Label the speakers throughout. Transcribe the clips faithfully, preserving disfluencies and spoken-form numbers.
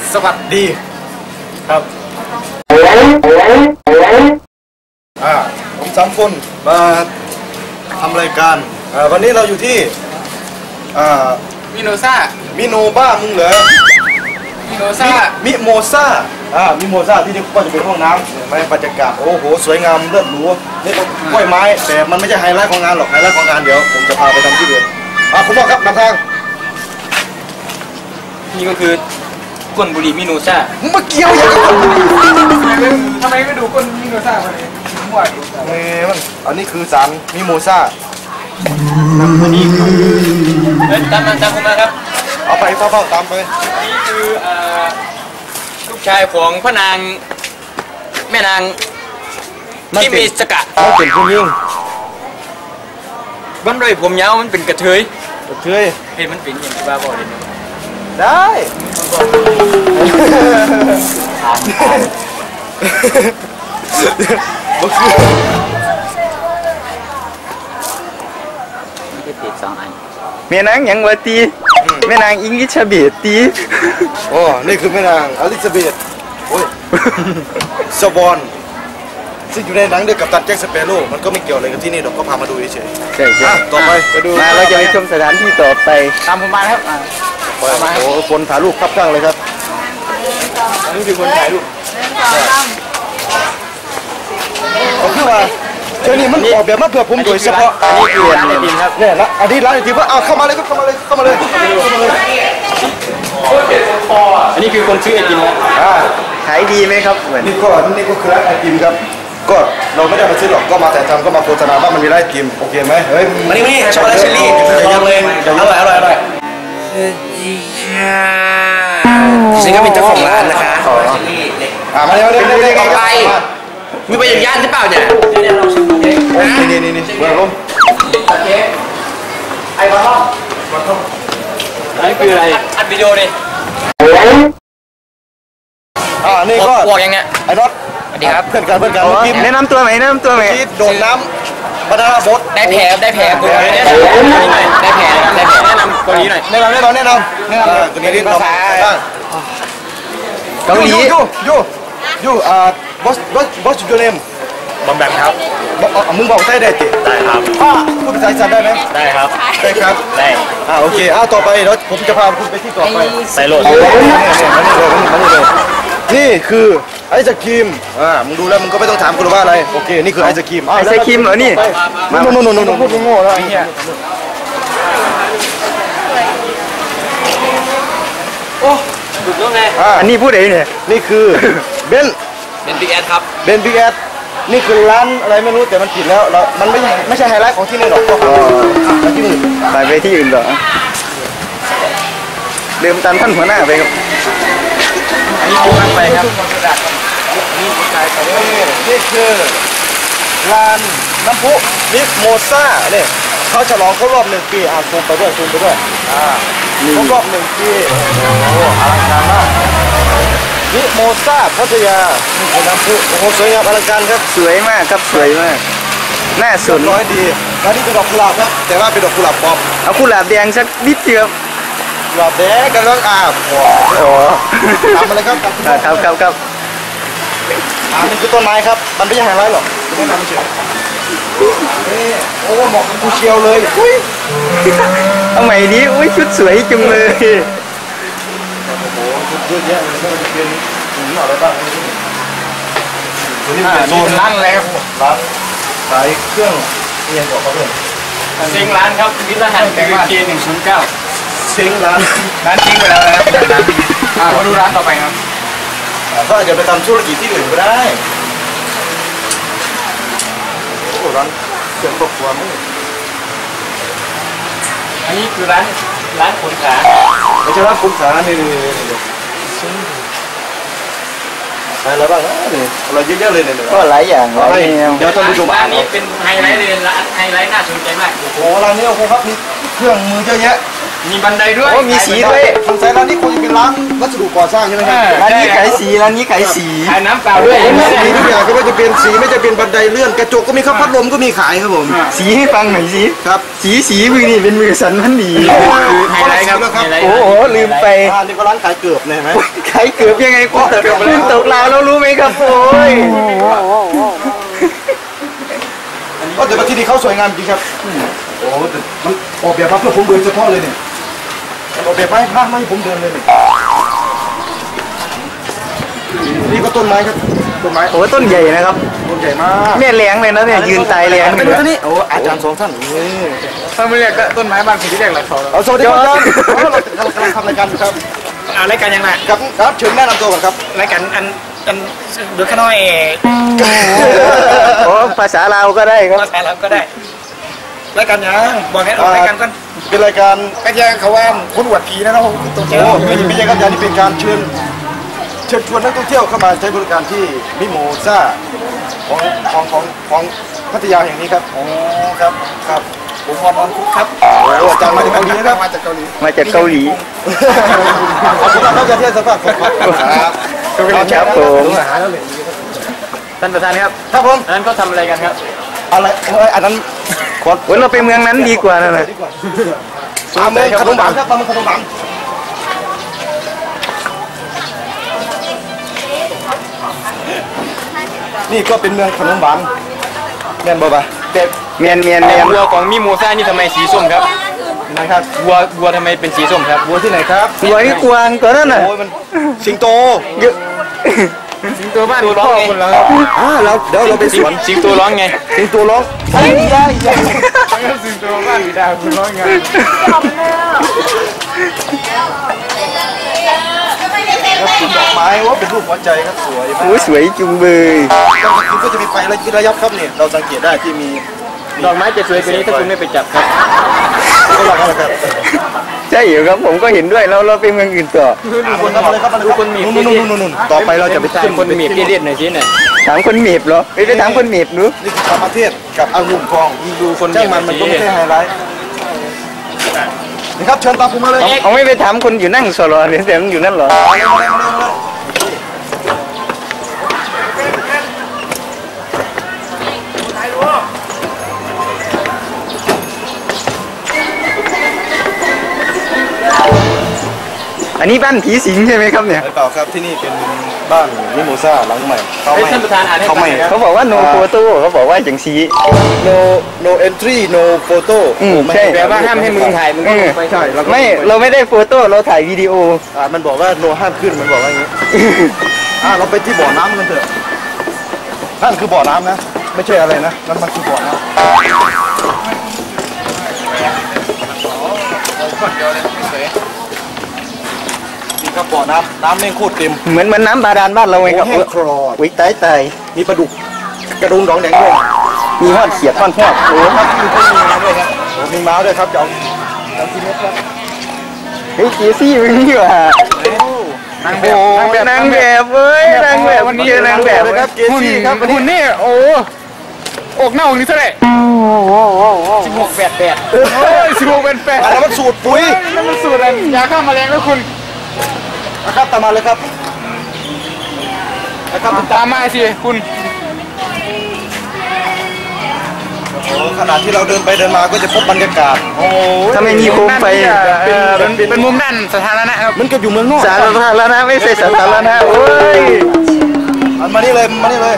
Speaker 1: สวัสดีครับอ่าผมสามคนมาทำรายการอ่าวันนี้เราอยู่ที่อ่า
Speaker 2: มิโนซ่า
Speaker 1: มิโนบ้ามึงเหรอ
Speaker 2: มิโนซ่า
Speaker 1: มิโมซ่าอ่ามิโมซ่าที่นี่ก็จะเป็นห้องน้ำเห็นไหมบรรยากาศโอ้โหสวยงามเลิศหรูนี่ก็กล้วยไม้แต่มันไม่ใช่ไฮไลท์ของงานหรอกไฮไลท์ของงานเดี๋ยวผมจะพาไปทำที่อื่นอ่าคุณพ่อครับนำทาง
Speaker 2: นี่ก็คือก้นบุหรี่มิโนซ่า
Speaker 1: มึงมาเกี่ยวอย่างกับก้นบุหรี่
Speaker 2: ทำไมไม่ดูก้นมิโนซ่ามาเลยมั่วดิ
Speaker 1: เอ้ยมันอันนี้คือสารมิโมซ่า
Speaker 2: อันนี้ตามมาตามผมมาครับ
Speaker 1: เอาไปเฝ้าๆตามไป
Speaker 2: นี่คือลูกชายของพระนางแม่นางที่มีสกัด
Speaker 1: เขาเป็นผู้หญิง
Speaker 2: บ้านไรผมยาวมันเป็นกระเทย
Speaker 1: กระเทย
Speaker 2: เห็นมันเป็นอย่างที่บ้าบอกเลย
Speaker 1: ได้บุก
Speaker 2: ติดสองอัน
Speaker 3: แม่นางยังวะตีแม่นางอิงลิชเบียตี
Speaker 1: โอ้นี่คือแม่นางอลิซาเบธโอ้ยสวอนซึ่งอยู่ในหนังเดียวกับตันแจ็คสเปโร่มันก็ไม่เกี่ยวอะไรกับที่นี่หรอกก็พามาดูเฉย
Speaker 3: ๆใช่ใช่
Speaker 1: ต่อไปไปดู
Speaker 3: มาเราจะไปชมสถานที่ต่อไป
Speaker 2: ตามผมมาครับ
Speaker 1: โอ้โหคนถ่ายรูปครับข้างเลยครับอันนี้คือคนถ่ายรูปผมคือว่าเจ้านี่มันออกแบบมาเพื่อผมโดยเฉพาะ
Speaker 2: อันนี้คือร้านไอติมครับ
Speaker 1: เนี่ยละอันนี้ร้านไอติมว่าเอาเข้ามาเลยครับเข้ามาเลยเข้ามาเลยเข้ามาเลย
Speaker 2: อันนี้คือคนซื้อไอติมครับ
Speaker 3: ขายดีไหมครับเหมือน
Speaker 1: นี่ก็นี่ก็คือร้านไอติมครับก็เราไม่ได้มาซื้อหรอกก็มาแต่ทำก็มาโฆษณาว่ามันมีร้านไอติมโอเคไหมเฮ้ย
Speaker 2: มานี่มานี่ช็อกโกแลตเชอร์รี่ลองเลยอร่อยอร่อยอร่อยจริงก็เป็นเจ้าของร้านนะคะ
Speaker 1: อ่ามาเร็วเร็วเร็วเร็ว
Speaker 2: ไปมีไปอย่างย่านใช่เปล่าเนี่ยเนี่ยลองชิมดูเอง
Speaker 1: นี่นี่นี่นี่เบื้องลม
Speaker 2: โอเคไอ้บอลล์บอลล์อันนี้คืออะไรอัดวิดีโอเลย
Speaker 1: อ่านี่ก็
Speaker 2: บอกยังไง
Speaker 1: ไอ้น็อต
Speaker 2: สวัสดีครับ
Speaker 1: เพื่อนกันเพื่อนกัน
Speaker 3: แนะนำตัวไหมแนะนำตัวไหม
Speaker 1: ที่โดดน้ำบานาน่าโบ๊ท
Speaker 2: ได้แผลได้แผลตัวนี้ได้แผลได้แผลได้แผลแนะนำตัวนี้หน่อย
Speaker 1: แนะนำแนะนำแนะนำแนะนำตัวนี้ที่ภาษา
Speaker 3: เกาหลี
Speaker 1: ยูยูยูยูอ่า what's what what's your name
Speaker 2: บอมแบมครับ
Speaker 1: มึงบอกได้ได้จิ
Speaker 2: ได้ครับ
Speaker 1: พูดภาษาอีสานได้ไหม
Speaker 2: ได้ครับ
Speaker 1: ได้ครับ
Speaker 2: ได้
Speaker 1: อ่าโอเคอ่าต่อไปเดี๋ยวผมจะพาคุณไปที่ต่อไป
Speaker 2: ใส่โหลด
Speaker 1: มานี่เลยมานี่เลยนี่คือไอศครีมอ่ามึงดูแล้วมึงก็ไม่ต้องถามกูหรอกว่าอะไรโอเคนี่คือไอศครีม
Speaker 3: ไอศครีมเหรอนี่
Speaker 1: โน่นโน่นโน่นโน่นพูดโง่แล้ว
Speaker 2: โอ้ถูกต้องไง
Speaker 3: อันนี้พูดเองเนี่ย
Speaker 1: นี่คือเบน
Speaker 2: เบนบิ๊กแอดครับ
Speaker 1: เบนบิ๊กแอดนี่คือร้านอะไรไม่รู้แต่มันผิดแล้วเรามันไม่ใช่ไม่ใช่ไฮไลท์ของที่นี่หรอกก็ไปที่อื่น
Speaker 3: ไปไปที่อื่นเหรอเดิมตามท่านหัวหน้าไปครับ
Speaker 2: อันนี้คือมันไปครับ
Speaker 1: นี่นี่คือร้านน้ำพุมิโมซ่าเนี่ยเขาฉลองครบรอบหนึ่งปีอ่าซูมไปด้วยซูมไปด้วยอ่าครบรอบหนึ่งปีโอ้โหอลังการมากมิโมซ่าพัทยานี่คือน้ำพุโอ้โหสวยงามอลังการครับ
Speaker 3: สวยมากครับสวยมากน่าสน
Speaker 1: ร้อยดีร้านนี้เป็นดอกกุหลาบครับแต่ว่าเป็นดอกกุหลาบปลอม
Speaker 3: เอากุหลาบแดงสักนิดเดียว
Speaker 1: กุหลาบแดงกันแล้วอ่าโอ้โหทำอะไรครับ
Speaker 3: ครับครับครับ
Speaker 1: อ่านี่คือต้นไม้ครับมันไม่ใช่ไฮไลท์หรอกไม่ทำเฉยโอ้เหมาะกับกูเชียวเลยอุ้ย
Speaker 3: เอาใหม่นี้อุ้ยชุดสวยจังเลย
Speaker 1: โอ้โหชุดเยอะแยะเลยไม่ว่าจะเป็นถุงอะไรบ้างตัวนี้เป็นโซน
Speaker 2: ร้านอะไรครับ
Speaker 1: ร้านขายเครื่องเรียนบอกเขาด้วย
Speaker 2: เซ็งร้านครับวิทยาหันเป็นเกียร์หนึ่งศูนย์เก้า
Speaker 1: เซ็งร้าน
Speaker 2: ร้านทิ้งไปแล้วนะครับอ่ามาดูร้านต่อไปครับ
Speaker 1: ก็อาจจะไปทำธุรกิจที่อื่นก็ได้โอ้ร้านเครื่องครอบครัวมั้ง
Speaker 2: อันนี้คือร้านร้านขนขา
Speaker 1: ไม่ใช่ร้านขนขานี่นี่นี่อะไรบ้างนะนี่อะไรเยอะๆเลยเนี่ย
Speaker 3: ก็หลายอย่างหลาย
Speaker 1: เดี๋ยวท่านผู้ชม
Speaker 2: ร้านนี้เป็นไฮไลท์เลยร้านไฮไลท์น่าสนใจมาก
Speaker 1: โอ้ร้านนี้โอ้โหครับมีเครื่องมือเยอะแยะ
Speaker 2: มีบันไดด้วย
Speaker 3: โอ้มีสีด้วย
Speaker 1: สงสัยร้านนี้คงจะเป็นร้านวัสดุก่อสร้างใช่ไหมครับ
Speaker 3: ร้านนี้ขายสีร้านนี้ขายสี
Speaker 2: ขายน้ำเปล่าด้วย
Speaker 1: สีทุกอย่างก็ไม่จะเป็นสีไม่จะเป็นบันไดเลื่อนกระจกก็มีครับพัดลมก็มีขายครับผม
Speaker 3: สีให้ฟังหน่อยสิ
Speaker 1: ครับ
Speaker 3: สีสีมือนี่เป็นมือสันพันดี
Speaker 2: ไฮไลท์ครับ
Speaker 3: โอ้โหลืมไป
Speaker 1: อ่านี่ก็ร้านขายเกือบเนี่ยเห็นไหม
Speaker 3: ขายเกือบยังไงคุณคุณตกลาวแล้วรู้ไหมครับโอ้ย
Speaker 1: ก็แต่ว่าที่นี่เขาสวยงามจริงครับโอ้แต่มันออกแบบมาเพื่อผมเดินเฉพาะเลยเนี่ยออกแบบมาให้ภาคไม่ให้ผมเดินเลยเนี่ยนี่ก็ต้นไม้ครับต้นไม้
Speaker 3: โอ้ต้นใหญ่นะครับ
Speaker 1: ต้นใหญ่มาก
Speaker 3: เนี่ยแรงเลยนะเนี่ยยืนตายแรง
Speaker 1: ไปดูท่านี้โอ้อาจารย์สองท่านนี่
Speaker 2: ถ้าไม่เรียกก็ต้นไม้บางสิ่งที่เรียกหลักเขา
Speaker 1: เอาสวัสดีครับอาจารย์เราเรากำลังทำรายการอยู่ครับ
Speaker 2: อ่ารายการยังไง
Speaker 1: ครับครับเชิญแนะนำตัวก่อนครับ
Speaker 2: รายการอันอันเดือดขน้อย
Speaker 3: โอ้ภาษาลาวก็ได้ครับ
Speaker 2: ภาษาเราก็ได้รายการยังบอกให้ออกรายการกัน
Speaker 1: เป็นรายการ
Speaker 2: ก็ยังเขาว่าคนอวดผีนะเนาะตัวเจ้า
Speaker 1: โอ้ไม่ใช่ไม่ใช่ครับอาจารย์นี่เป็นการเชิญเชิญชวนนักท่องเที่ยวเข้ามาใช้บริการที่มิโมซ่าของของของของพัทยาแห่งนี้ครับโอ้ครับครับ
Speaker 2: ผมพรนอนคุกครับ
Speaker 1: โอ้อาจารย์มาจากเกาหลีนะครับ
Speaker 2: มาจากเกาหลี
Speaker 3: มาจากเกาหลี
Speaker 1: ขอบคุณมากครับอาจารย์ที่ให้สัมภาษณ์ผมครับ
Speaker 3: ครับผม
Speaker 1: อาหารแล้วเลย
Speaker 2: ท่านประธานครับ
Speaker 1: ครับผม
Speaker 2: อันนั้นเขาทำอะไรกันครับ
Speaker 1: อะไรเอ้ยอันนั้นขอ
Speaker 3: โอ้ยเราไปเมืองนั้นดีกว่านะนะ
Speaker 1: ดีกว่าปลาเมืองขนมหวานครับปลาเมืองขนมหวานนี่ก็เป็นเมืองขนมหวานแม่นบ่ปะ
Speaker 2: แต่
Speaker 3: เมียนเมียนเมียน
Speaker 2: วัวของมิโมซ่านี่ทำไมสีส้มครับ
Speaker 1: นะครับ
Speaker 2: วัววัวทำไมเป็นสีส้มครับ
Speaker 1: วัวที่ไหนครับ
Speaker 3: หัวนี่กวางตัวนั้นน่ะ
Speaker 1: โอ้ยมันสิงโต
Speaker 3: เยอะ
Speaker 2: สิงโตบ้านตัวร้องไง
Speaker 1: อ่าเราเดี๋ยวเราไปสวน
Speaker 2: สิงโตร้องไง
Speaker 1: สิงโตร้องไอ้ยายยาย
Speaker 2: สิงโตบ้านดาวคุณร้องไง
Speaker 1: แล้วปลูกดอกไม้ว่าเป็นรูปหัวใจครับสวยมาก
Speaker 3: โอ้ยสวยจุงเบย
Speaker 1: กลางคืนก็จะมีไฟระยับครับเนี่ยเราสังเกตได้ที่มี
Speaker 2: ดอกไม้จะสวยกว่านี้ถ้าคุณไม่ไปจับครับ
Speaker 1: ก็หลักอะไรครับ
Speaker 3: ใช่เหรอครับผมก็เห็นด้วยเราเราไปเมืองอื่นต่อ
Speaker 1: ดูคนทำอะไรครับดูคนมีนู่นนู่นนู่นนู่นต่อไปเราจะไป
Speaker 2: ใช่
Speaker 1: ขึ้น
Speaker 2: คนมีบเรียดหน่อยสิเนี่ย
Speaker 3: ถามคนเมีบเหรอไปไปถามคนเมีบดู
Speaker 1: นี่คือธรรมเทศกับองุ่นทอง
Speaker 2: ดูคน
Speaker 1: ช่างมันมันก็ไม่ใช่ไฮไลท์นี่ครับเชิญตามผมมาเลย
Speaker 3: เอาไม่ไปถามคนอยู่นั่งสรอเนี่ยแต่มันอยู่นั่นเหรอ อันนี้บ้านผีสิงใช่ไหมครับเนี่ย
Speaker 1: ไม่เปล่าครับที่นี่เป็นบ้านมิโมซ่าหลังใหม่เขา
Speaker 2: ให้
Speaker 1: ไม่
Speaker 2: ท่านประธานอ่านให้
Speaker 1: เขา
Speaker 2: ฟัง
Speaker 1: ไม่
Speaker 2: หน่อยครับ
Speaker 3: เขาบอกว่า no photo เขาบอกว่าอย่างสี
Speaker 1: no no entry no photo
Speaker 3: อืมใช่
Speaker 2: แปลว่าห้ามให้มึงถ่ายมึงก็ลงไป
Speaker 1: ใช่แล้วก็
Speaker 3: ไม่เราไม่ได้โฟโต้เราถ่ายวิดีโอ
Speaker 1: อ่ามันบอกว่า no ห้ามขึ้นมันบอกว่าอย่างนี้อ่าเราไปที่บ่อน้ำกันเถอะนั่นคือบ่อน้ำนะ ไม่ใช่อะไรนะนั่นมันคือบ่อน้ำนี่ครับบ่อน้ำน้ำแม่งโคตรเต็ม
Speaker 3: เหมือนเหมือนน้ำบาดาลบ้านเราไงครับ
Speaker 1: โอ้แห้งคลอด
Speaker 3: วิตายตาย
Speaker 1: มีปลาดุกกระดุมดองแดงด้วย
Speaker 3: มีหอดเขียดทอดทอดโอ้
Speaker 1: ครับมีต้นมีม้าด้วยครับโอ้มีม้าด้วยครับจะเอาเอากินเม็ดครับ
Speaker 3: เฮ้ยเจซี่มึงนี่หว่ะ
Speaker 2: นางแบ
Speaker 3: โอ้
Speaker 2: บ
Speaker 3: นางแบบเว้ยนางแบบเจอนางแบบ
Speaker 1: เลยครับเจซี่ครับวัน
Speaker 2: หุ่น
Speaker 1: นี้
Speaker 2: นี่โอ้อกหน้าอกนี่เท่าไหร่สิบหกแปดแปดเฮ้ยสิบหกเป็นแปด
Speaker 1: อันนั้นมันสูตรปุ๋ย
Speaker 2: นั่นมันสูตรอะไรยาฆ่าแมลงแล้วคุณ
Speaker 1: นะครับตามมาเลยครับนะครับ
Speaker 2: ตามมาสิคุณ
Speaker 1: โอ้ขณะที่เราเดินไปเดินมาก็จะพบบรรยากาศโอ้
Speaker 3: ถ้าไม่มีโคมไฟ
Speaker 2: เป็นเป็นมุมด้านสถานะครับ
Speaker 1: มันก็อยู่เมืองนอก
Speaker 3: สาธารณะไม่ใช่สาธารณะโอ้ย
Speaker 1: อันมานี่เลยมานี่เลย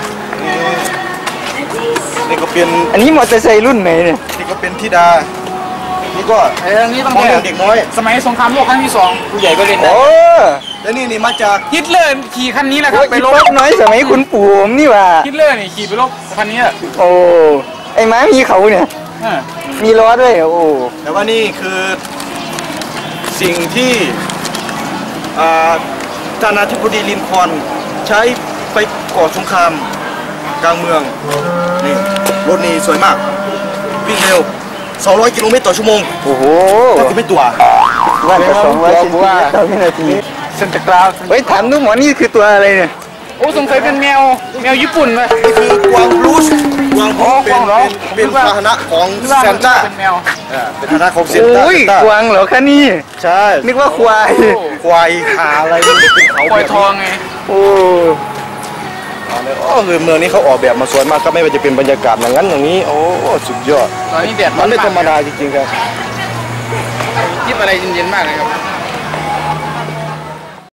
Speaker 1: นี่ก็เป็น
Speaker 3: อันนี้มอเตอร์ไซค์รุ่นไหนเนี่ย
Speaker 1: นี่ก็เป็นธิดานี่ก็
Speaker 2: ไอ้นี่ต้อง
Speaker 1: มองเรื่องเด็กน้อย
Speaker 2: สมัยสงครามโลกครั้งที่สองผู้ใหญ่ก็เล่น
Speaker 3: โอ้
Speaker 1: แล้วนี่นี่มาจาก
Speaker 2: ฮิตเลอร์ขี่คันนี้แหละครับไป
Speaker 3: อี
Speaker 2: ลบ
Speaker 3: ป๊อกน้อยสมัยคุณปู่ผมนี่หว่า
Speaker 2: ฮิตเลอร์นี่ขี่ไปลบคันนี้
Speaker 3: โอ้ไอ้ม้ามีเขาเนี่ย
Speaker 2: อ่า
Speaker 3: มีล้อด้วยโอ้
Speaker 1: แต่ว่านี่คือสิ่งที่อ่าท่านาธิบดีลินคอล์นใช้ไปก่อสงครามกลางเมืองนี่รถนี้สวยมากวิ่งเร็วสองร้อยกิโลเมตรต่อชั่วโมง
Speaker 3: โอ้โห
Speaker 1: ก็คือไม่ตัว
Speaker 3: ว่าแต่สองร้อยเซนติเมตรต่อวินาที
Speaker 2: เซนต์คลาวด์
Speaker 3: เฮ้ยถามดูหมอนี่คือตัวอะไรเนี่ย
Speaker 2: โอ้สงสัยเป็นแมวแมวญี่ปุ่นเลย
Speaker 1: นี่คือกวางบลูสกกวางผมเป็นเป็นพาหนะของซานต้า
Speaker 2: เป็นแมว
Speaker 1: เป็นพาหนะของเซน
Speaker 3: โอ้
Speaker 1: ต้าย
Speaker 3: กวางเหรอคะนี่
Speaker 1: ใช่
Speaker 3: นึกว่าควาย
Speaker 1: ควายขาอะไรมันเป็นเขา
Speaker 2: ปล่อยทองไง
Speaker 3: โอ้
Speaker 1: โอ้คือเมืองนี้เขาออกแบบมาสวยมากก็ไม่ว่าจะเป็นบรรยากาศอย่างนั้นอย่างนี้โอ้สุดยอด
Speaker 2: ตอนนี้แดด
Speaker 1: มันไม่ธรรมดาจริงๆครับ
Speaker 2: คิดอะไรเย็นๆมากเลยครับ